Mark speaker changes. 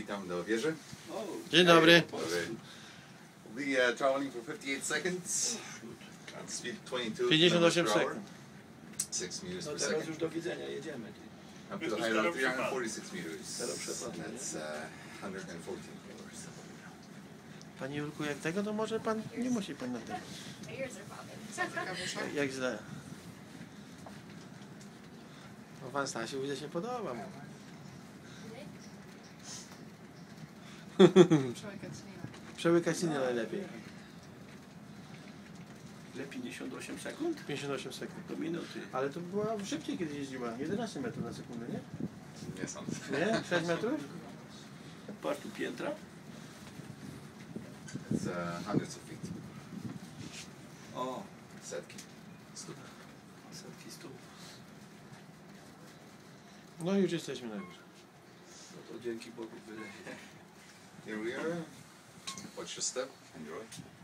Speaker 1: witam do wieży.
Speaker 2: Dzień dobry.
Speaker 1: We'll be traveling for 58 seconds. Speed 22
Speaker 2: 58
Speaker 1: km/h.
Speaker 2: sekund.
Speaker 1: 6 meters
Speaker 3: No
Speaker 1: per
Speaker 3: teraz
Speaker 1: second.
Speaker 3: już do widzenia, jedziemy.
Speaker 1: Up to the height of 346 meters.
Speaker 3: Zero przepadnie, nie?
Speaker 1: That's 114 kilometers.
Speaker 2: Panie Jurku, jak tego, to może pan, nie musi pan na tym. Jak źle. No pan Stasiu, widzę, się podoba mu. Przełykać nie najlepiej.
Speaker 3: Ile? 58 sekund?
Speaker 2: 58 sekund.
Speaker 3: Do minuty.
Speaker 2: Ale to była szybciej, kiedy jeździła. 11 metrów na sekundę, nie?
Speaker 1: Nie sądzę.
Speaker 2: Nie? 6 metrów?
Speaker 3: Patrz tu piętra.
Speaker 1: It's hundreds of feet.
Speaker 3: O,
Speaker 1: Setki.
Speaker 3: setki stóp.
Speaker 2: No i już jesteśmy na górze.
Speaker 3: No to dzięki Bogu wydaje.
Speaker 1: Here we are. Watch your step. Enjoy.